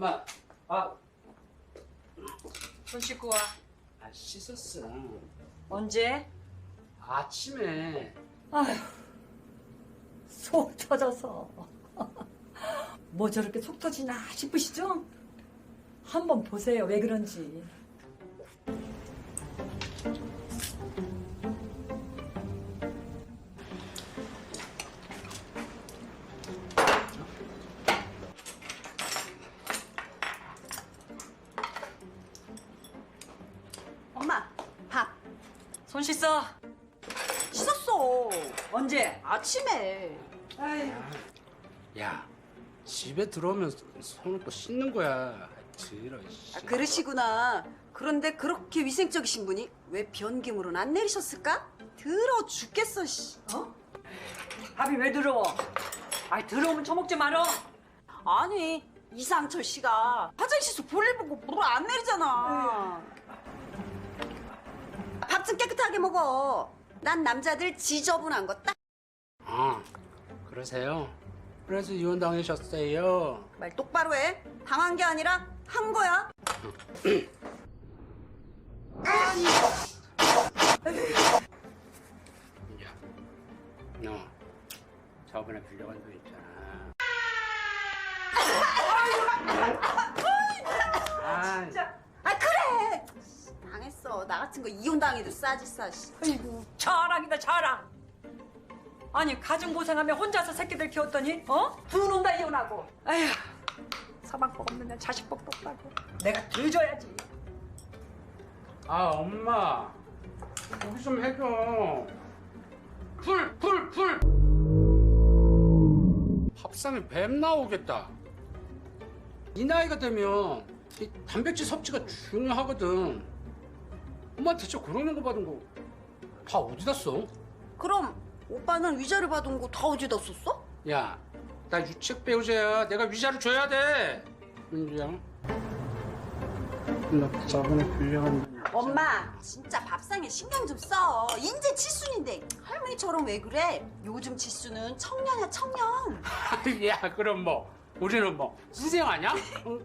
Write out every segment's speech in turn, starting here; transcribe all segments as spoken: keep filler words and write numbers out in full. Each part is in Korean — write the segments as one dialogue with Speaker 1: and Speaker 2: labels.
Speaker 1: 엄마. 아,
Speaker 2: 손 씻고 와.
Speaker 1: 아 씻었어.
Speaker 2: 언제?
Speaker 1: 아침에.
Speaker 2: 아휴, 속 터져서. 뭐 저렇게 속 터지나 싶으시죠? 한번 보세요, 왜 그런지.
Speaker 3: 엄마, 밥.
Speaker 2: 손 씻어.
Speaker 3: 씻었어.
Speaker 2: 언제?
Speaker 3: 아침에.
Speaker 2: 아휴.
Speaker 1: 야, 집에 들어오면 손을 또 씻는 거야. 들어.
Speaker 3: 아, 그러시구나. 그런데 그렇게 위생적이신 분이 왜 변기물은 안 내리셨을까? 더러워 죽겠어, 씨.
Speaker 2: 어? 밥이 왜 더러워? 아이, 더러우면 처먹지 말어.
Speaker 3: 아니, 이상철 씨가 화장실에서 볼일 보고 물 안 내리잖아. 밥 좀 깨끗하게 먹어. 난 남자들 지저분한 거 딱.
Speaker 1: 아, 그러세요? 그래서 이혼 당하셨어요.
Speaker 3: 말 똑바로 해. 당한 게 아니라 한 거야.
Speaker 1: 야, 너 저번에 빌려간 돈 있잖아. 아,
Speaker 3: 진짜. 아, 그래. 당했어. 나 같은 거 이혼 당해도 싸지 싸. 씨.
Speaker 2: 아이고, 자랑이다, 자랑. 아니, 가정 고생하며 혼자서 새끼들 키웠더니, 어? 두 놈 다 이혼하고. 아휴, 사방법 없는 애 자식복도 없다고. 내가 들줘야지.
Speaker 1: 아 엄마, 여기 좀 해줘. 풀, 풀, 풀. 밥상에 뱀 나오겠다. 이 나이가 되면 이 단백질 섭취가 중요하거든. 엄마 대체 그러는 거 받은 거 다 어디다 써?
Speaker 3: 그럼 오빠는 위자료 받은 거 다 어디다 썼어?
Speaker 1: 야, 나 유책 배우자야. 내가 위자료 줘야 돼. 민주야, 나 저번에 빌려간
Speaker 3: 엄마, 진짜 밥상에 신경 좀 써. 인제 칠순인데 할머니처럼 왜 그래? 요즘 칠순은 청년이야, 청년.
Speaker 1: 야, 그럼 뭐 우리는 뭐 수생 아니야? 응?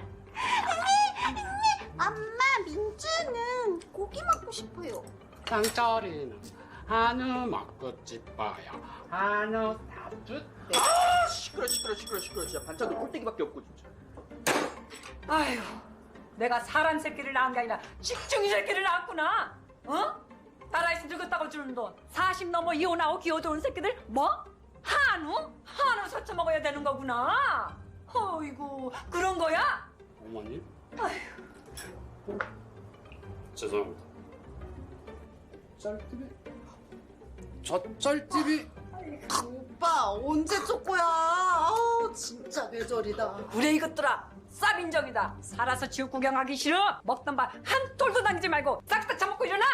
Speaker 3: 엄마, 민주는 고기 먹고 싶어요.
Speaker 1: 짱짜리는 한우 먹고 싶어요. 한우 다tut.
Speaker 4: 아 시끄러 시끄러 시끄러 시끄러 진짜 반찬도 꼴뚜기밖에 없고 진짜.
Speaker 2: 아휴, 내가 사람 새끼를 낳은 게 아니라 식중이 새끼를 낳았구나. 어? 나라에서 늙었다고 주는 돈 사십 넘어 이혼하고 기어들어온 새끼들 뭐? 한우? 한우 사쳐 먹어야 되는 거구나. 어이구, 그런 거야?
Speaker 1: 어머니?
Speaker 2: 아휴.
Speaker 1: 어? 죄송합니다. 쩔티비? 저 쩔티비?
Speaker 3: 오빠, 언제 쪽거야? 아우, 진짜 뇌절이다.
Speaker 2: 그래 이것들아, 쌉인정이다. 살아서 지옥 구경하기 싫어? 먹던 밥 한 톨도 남기지 말고 싹 다 처먹고 일어나!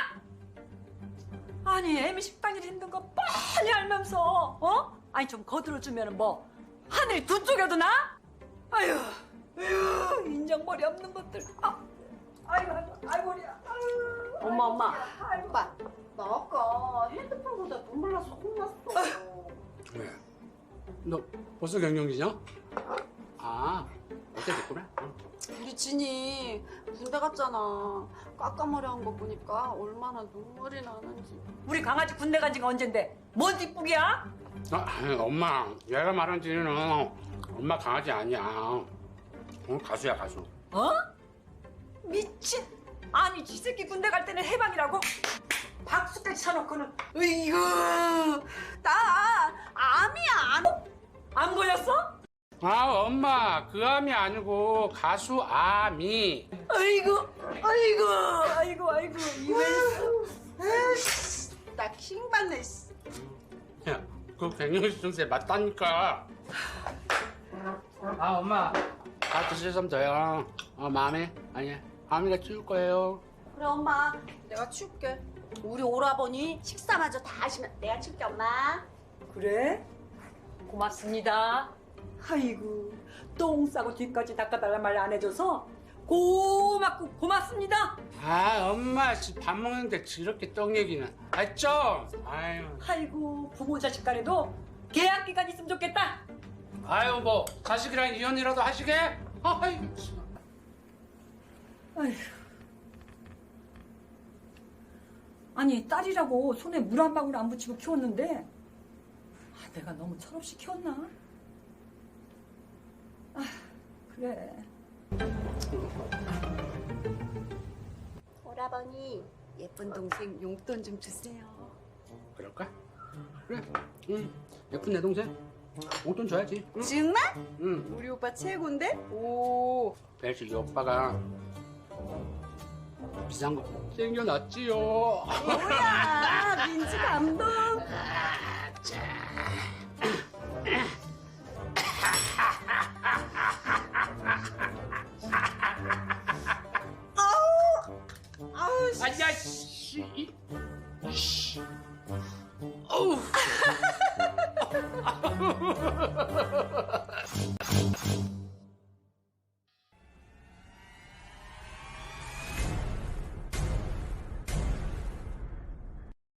Speaker 2: 아니, 애미 식당 일 힘든 거 뻔히 알면서 어? 아니 좀 거들어주면 뭐 하늘이 두 쪽에도 나? 아휴, 아휴, 인정머리 없는 것들. 아, 아이고, 아이고, 아이고, 머리야. 아유,
Speaker 3: 엄마, 엄마.
Speaker 2: 아이고.
Speaker 3: 오빠, 나 아까 핸드폰 보다 눈물 나서 혼났어.
Speaker 1: 왜? 너 벌써 경영이냐? 아, 어때 됐구나?
Speaker 3: 우리 진이 군대 갔잖아. 까까머리 한 거 보니까 얼마나 눈물이 나는지.
Speaker 2: 우리 강아지 군대 간 지가 언젠데 뭔 뒷북이야?
Speaker 1: 아, 엄마, 얘가 말한 지는 엄마 강아지 아니야. 어, 가수야, 가수.
Speaker 2: 어? 미친. 아니, 지 새끼 군대 갈 때는 해방이라고 박수까지 쳐놓고는. 으이구,
Speaker 3: 나 암이야, 암.
Speaker 2: 안 보였어?
Speaker 1: 아, 엄마, 그 암이 아니고 가수 아미.
Speaker 2: 아이고, 아이고, 아이고, 아이고, 이웬수.
Speaker 3: 에이씨, 나 킹받네. 씨.
Speaker 1: 야, 그 갱년기 증세 맞다니까. 아, 엄마, 다 드시면 돼요. 어, 마음에 아니, 아미가 치울 거예요.
Speaker 3: 그래, 엄마, 내가 치울게. 우리 오라버니 식사마저 다 하시면 내가 치울게, 엄마.
Speaker 2: 그래? 고맙습니다. 아이고, 똥 싸고 뒤까지 닦아달란 말 안 해줘서 고맙고 고맙습니다.
Speaker 1: 아, 엄마, 지금 밥 먹는데 저렇게 떡 얘기는. 아, 좀. 아유,
Speaker 2: 아이고, 부모 자식 간에도 계약 기간 있으면 좋겠다.
Speaker 1: 아유, 뭐 자식이랑 이혼이라도 하시게? 아이고 참.
Speaker 2: 아휴. 아니 딸이라고 손에 물 한 방울 안 붙이고 키웠는데 아, 내가 너무 철없이 키웠나? 아 그래.
Speaker 3: 오라버니 예쁜 동생 용돈 좀 주세요.
Speaker 1: 그럴까? 그래. 응. 예쁜 내 동생. 용돈 줘야지. 응.
Speaker 3: 정말?
Speaker 1: 응.
Speaker 3: 우리 오빠 최고인데? 오.
Speaker 1: 벨씨 이 오빠가 비싼 거 챙겨놨지요.
Speaker 3: 뭐야 민지 감동. 아우. 아우. 씨.
Speaker 1: 아야 씨. 씨. 어우.